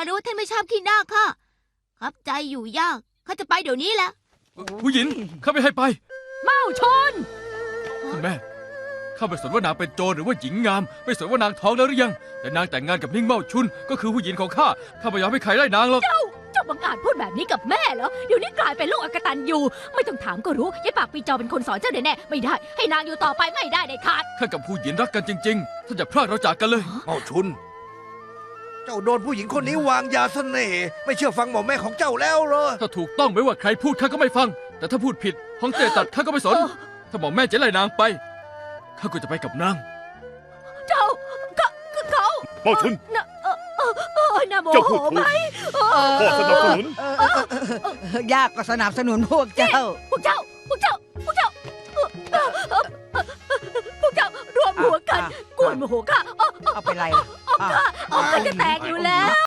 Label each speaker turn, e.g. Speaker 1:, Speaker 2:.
Speaker 1: รู้ว่าท่านไม่ชอบขี้หน้าข้าครับใจอยู่ยากข้าจะไปเดี๋ยวนี้แหละ
Speaker 2: ผู้หญิงข้าไม่ให้ไป
Speaker 3: เมาชน
Speaker 2: ท่านแม่ข้าไม่สนว่านางเป็นโจรหรือว่าหญิงงามไม่สนว่านางท้องแล้วหรือยังแต่นางแต่งงานกับนิ่งเมาชุนก็คือผู้หญิงของข้าไม่ยอมให้ใครไล่นางหรอก
Speaker 3: เจ้าบังอาจพูดแบบนี้กับแม่เหรอเดี๋ยวนี้กลายเป็นลูกอกตันอยู่ไม่ต้องถามก็รู้ยายปากปีจอเป็นคนสอนเจ้าแน่ๆไม่ได้ให้นางอยู่ต่อไปไม่ได้เด็ดขาด
Speaker 2: ข้ากับผู้หญิงรักกันจริงๆท่านอย่าพลาดเราจากกันเลย
Speaker 4: เมาชุน เจ้าโดนผู้หญิงคนนี้วางยาเสน่ห์ไม่เชื่อฟังหมอแม่ของเจ้าแล้วเหรอ
Speaker 2: ถ้าถูกต้องไม่ว่าใครพูดข้าก็ไม่ฟัง แต่ถ้าพูดผิดฮ่องเต้ตัดข้าก็ไม่สน ถ้าหมอแม่จะไล่นางไปข้าก็จะไปกับนาง
Speaker 3: เจ้าเขา
Speaker 5: เมาชุน
Speaker 3: น่าโม
Speaker 5: เจ้า
Speaker 3: โห
Speaker 5: พูดถูก
Speaker 3: ไหม
Speaker 5: พ่อสนับสนุน
Speaker 6: ยากก็สนับสนุนพวกเจ้า
Speaker 3: พวกเจ้ารวมหัวกันกวนโมโหข้า
Speaker 6: เอาไปไรล่ะ
Speaker 3: ออกกันจะแตกอยู่แล้ว